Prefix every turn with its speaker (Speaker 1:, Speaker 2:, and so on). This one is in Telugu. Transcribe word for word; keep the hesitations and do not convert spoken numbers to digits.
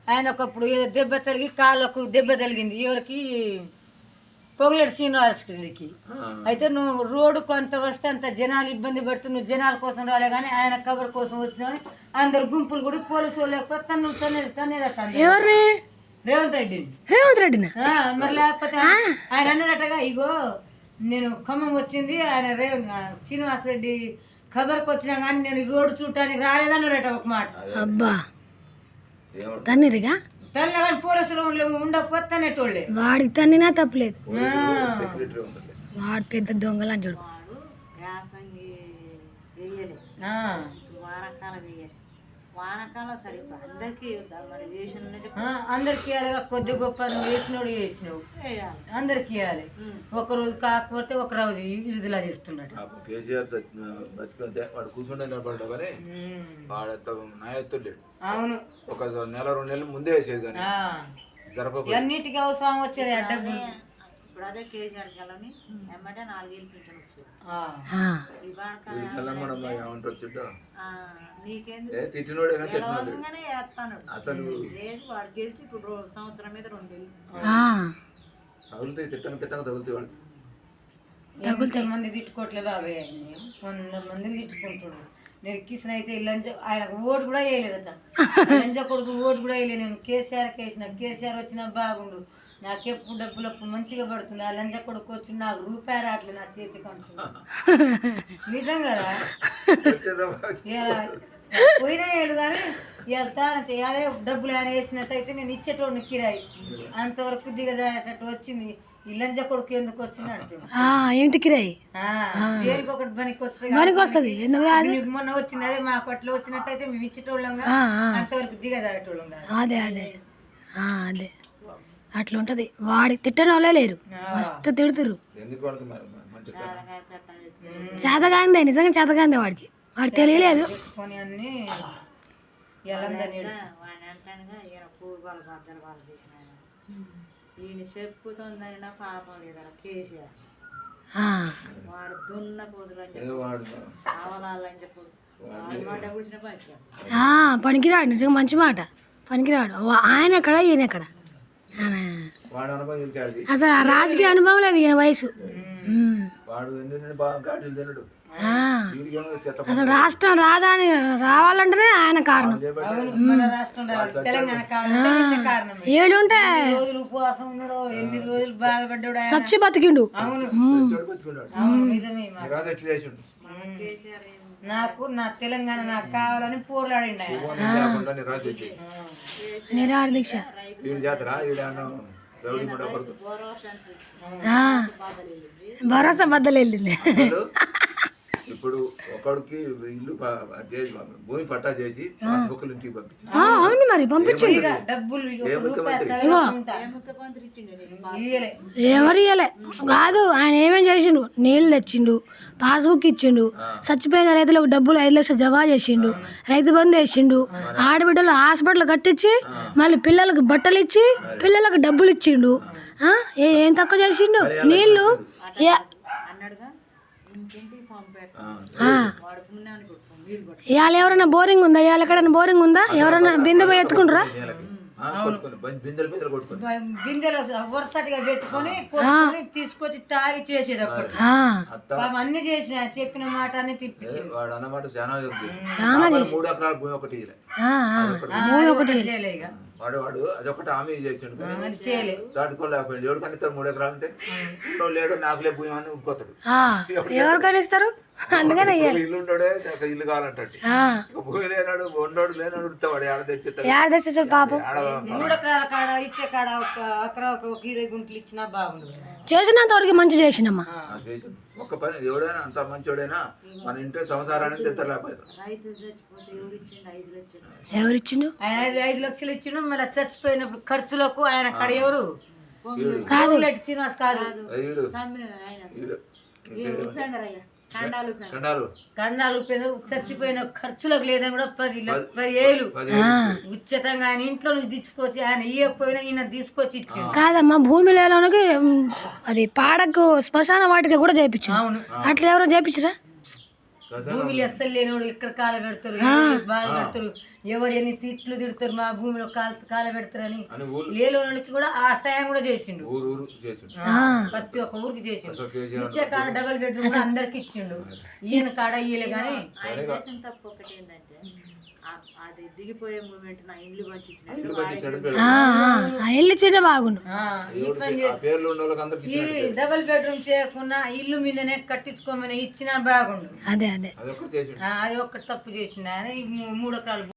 Speaker 1: ఆయన ఒకప్పుడు ఏదో దెబ్బ తగిలి కాళ్ళకు దెబ్బ తగిలింది ఎవరికి పొగలేడు శ్రీనివాసరెడ్డికి. అయితే నువ్వు రోడ్డు కొంత వస్తే అంత జనాలు ఇబ్బంది పడుతూ నువ్వు జనాల కోసం రాలే కానీ ఆయన కబర్ కోసం వచ్చినావని అందరు గుంపులు కూడా పోలీసు వాళ్ళు లేకపోతే తను తనే తనే రేవంత్ రెడ్డి
Speaker 2: రేవంత్ రెడ్డినా
Speaker 1: మరి లేకపోతే ఆయన అన్నాడటగా ఇగో నేను ఖమ్మం వచ్చింది ఆయన రే శ్రీనివాసరెడ్డి ఖబర్కి వచ్చినా కానీ నేను రోడ్డు చూడటానికి రాలేదన్నాడట ఒక మాట.
Speaker 2: అబ్బా తన్నిరిగా
Speaker 1: తల్లి కానీ పోలీసులు ఉండకపోతే తనేటోళ్ళే
Speaker 2: వాడికి తన్నినా తప్పలేదు. వాడు పెద్ద దొంగలని చూడు.
Speaker 1: అందరికి ఇవ్వాలి కొద్ది గొప్ప నువ్వు వేసినోడు వేసినావు అందరికి ఇవ్వాలి. ఒక రోజు కాకపోతే ఒక రోజు విడుదల చేస్తున్నాడు.
Speaker 3: వాడు కూర్చుంటే నిలబడ్డా కానీ వాడు నాయత్తుడు లేడు.
Speaker 1: అవును
Speaker 3: ఒక నెల రెండు నెలల ముందే వేసేది కానీ జరప
Speaker 1: అన్నిటికీ అవసరం వచ్చేది ఆ డబ్బులు.
Speaker 4: ఇప్పుడు అదే కేజీఆర్ కలని ఏమంటే నాలుగేళ్ళు పింఛన్ వచ్చేది. నీకేందుకు వేస్తాను
Speaker 3: అసలు
Speaker 4: లేదు వాడు గెలిచి ఇప్పుడు సంవత్సరం మీద రెండేళ్ళు
Speaker 3: తగులుతాయి తిట్టంగా తిట్టంగా తగులుతాయి వాడు.
Speaker 1: కొంతమంది తిట్టుకోవట్లే బాబాయ్ ఆయన్ని కొంతమంది తిట్టుకుంటున్నాడు. నేను కిసిన అయితే లంచ ఆయన ఓటు కూడా వేయలేదట. లంచ కొడుకు ఓటు కూడా వేయలేదు. నేను కేసీఆర్కి వేసిన కేసీఆర్ వచ్చినా బాగుండు నాకెప్పుడు డబ్బులు అప్పుడు మంచిగా పడుతుంది. ఆ లంచ కొడుకు వచ్చి నాకు రూపాయి రావట్లేదు నా చేతికి అంటున్నా. నిజంగా పోయినా వేయలు కానీ అదే డబ్బులు ఆయన వేసినట్టయితే నేను ఇచ్చేటోడిని కిరాయి అంతవరకు దిగజారేటట్టు వచ్చింది. ఈ లంచ కొడుకు ఎందుకు వచ్చింది అంటున్నా.
Speaker 2: ఇంటికి రాయి
Speaker 1: దేనికి ఒకటి పనికి వస్తుంది
Speaker 2: పనికి వస్తుంది. ఎందుకు రాదు
Speaker 1: మొన్న వచ్చింది అదే మా కొట్లో వచ్చినట్టయితే మేము ఇచ్చేటోళ్ళం అంతవరకు దిగజారేటోళ్ళం కాదు.
Speaker 2: అదే అదే అదే అట్లా ఉంటది. వాడి తిట్టని వాళ్ళే లేరు మస్తు తిడుతురు. చేతగాందే నిజంగా చేతగాందే వాడికి వాడు తెలియలేదు.
Speaker 4: ఈయన చెప్పుతోందని నా పాపం లేదరా కేసీఆర్ వాడు దున్న పోదులని కావాలని చెప్పడు మాట కూర్చున్న పని
Speaker 2: పనికిరాడు నిజంగా మంచి మాట పనికిరాడు. ఆయన ఎక్కడ ఈయన ఎక్కడ అసలు ఆ రాజకీయ అనుభవం లేదు ఈయన వయసు. అసలు రాష్ట్రం రాజధాని రావాలంటేనే ఆయన కారణం. ఏడుంటే సచ్చి బతికిండు.
Speaker 1: నాకు నా తెలంగాణ నాకు కావాలని పోరాడిండు
Speaker 2: నిరాహార దీక్ష. భరోసా బద్దలు వెళ్ళింది.
Speaker 3: ఇప్పుడు ఒకడికి ఇల్లు భూమి పట్టా చేసి ఇంటికి పంపించారు.
Speaker 2: అవును మరి పంపించు. ఎవరు ఇయ్యలే కాదు ఆయన ఏమేం చేసిండు. నీళ్ళు తెచ్చిండు పాస్బుక్ ఇచ్చిండు చచ్చిపోయిన రైతులకు డబ్బులు ఐదు లక్షలు జమా చేసిండు రైతు బంధు వేసిండు ఆడబిడ్డలు హాస్పిటల్ కట్టించి మళ్ళీ పిల్లలకు బట్టలు ఇచ్చి పిల్లలకు డబ్బులు ఇచ్చిండు. ఏం తక్కువ చేసిండు. నీళ్ళు ఇవాళ ఎవరైనా బోరింగ్ ఉందా ఇవాళ ఎక్కడైనా బోరింగ్ ఉందా ఎవరైనా బిందె పోయి ఎత్తుకుంటారా.
Speaker 1: గింజలు వరుసటిగా పెట్టుకొని తీసుకొచ్చి తాగి చేసేది అప్పుడు అన్ని చేసిన చెప్పిన మాట అన్ని తిప్పించి మూడు ఒకటి చేయలే ఇక
Speaker 3: వాడు వాడు అదొకటి హామీ చేసిండు దాటుకోలేకపోయింది. ఎవరు కనిస్తారు మూడు ఎకరాలు అంటే లేడు నాకులే భూమి అని ఉడుకోతాడు.
Speaker 2: ఎవరు కనిస్తారు అందుకని
Speaker 3: ఇల్లు ఉండడే ఇల్లు కావాలంటాడు. భూమి లేనాడు ఉండోడు లేనాడు ఉడతాడు ఆడ తెచ్చేస్తాడు.
Speaker 2: ఆడ తెచ్చేస్తాడు పాపం.
Speaker 1: మూడు ఎకరాల కాడ ఇచ్చే కాడ ఒక ఎకరా ఒక ఇరవై గుంటలు ఇచ్చినా బాగుండు.
Speaker 2: చేసినంత వరకు మంచి చేసినమ్మా.
Speaker 3: ఒక్క పని ఎవడైనా అంత మంచోడైనా మన ఇంట్లో సంసారానికి తెత్తలేకపోయారు.
Speaker 2: ఎవరిచ్చిండు
Speaker 1: ఆయన ఐదు ఐదు లక్షలు ఇచ్చిండు. మళ్ళీ చచ్చిపోయినప్పుడు ఖర్చులకు ఆయన కాడ ఎవరు
Speaker 2: కాదు
Speaker 1: శ్రీనివాస్ కాదు కండాలు చచ్చిపోయిన ఖర్చులకు లేదని కూడా పది పది ఏళ్ళు ఉచితంగా ఆయన ఇంట్లో నుంచి తీసుకొచ్చి ఆయన ఇవ్వకపోయినా ఈయన తీసుకొచ్చి ఇచ్చిండు.
Speaker 2: కాదమ్మా భూమి లేనికి అది పాడకు శ్మశాన వాటికి కూడా చేయించు.
Speaker 1: అవును
Speaker 2: అట్లా ఎవరో చేయించరా.
Speaker 1: భూమిలు అస్సలు లేనివాడు ఇక్కడ కాలు పెడతారు బాధ పెడతారు ఎవరు ఎన్ని తిట్లు తిడతారు మా భూమిలో కాల కాల పెడతారని
Speaker 3: అని ఊరు
Speaker 1: లేని వాళ్ళకి కూడా ఆ సాయం కూడా చేసిండు.
Speaker 3: ఊరు ఊరు చేసిండు.
Speaker 1: ఆ, ప్రతి ఒక్క ఊరికి చేసిండు.
Speaker 3: అసలు కేసీఆర్
Speaker 1: ఇచ్చే కాడ డబల్ బెడ్రూమ్ కూడా అందరికి ఇచ్చిండు. ఈయన కాడ ఇయ్యలే కానీ
Speaker 4: ఆయన చేసిన తప్పు ఒకటి ఏంటంటే ఆ- అది దిగిపోయే మూమెంట్ నా ఇండ్లు పంచించిన
Speaker 3: ఇల్లు కట్టించాడు పిల్లలు.
Speaker 2: ఆ, ఆ, ఆ ఇల్లు చీట బాగుండు.
Speaker 1: ఆ, ఈ
Speaker 3: ఎవరికి
Speaker 1: పని
Speaker 3: ఆ
Speaker 1: చేసి
Speaker 3: పేర్లు ఉన్న వాళ్ళకి అందరికి
Speaker 1: ఈ
Speaker 3: ఇచ్చినట్టు.
Speaker 1: డబల్ బెడ్రూమ్ చేయకుండా ఇల్లు మీదనే కట్టించుకోమని ఇచ్చినా బాగుండు.
Speaker 2: అదే అదే
Speaker 3: అది ఒక్కటి చేసిండు.
Speaker 1: ఆ, అది ఒక్కటి తప్పు చేసిండు ఆయన. ఈ మూ- మూడు ఎకరాలు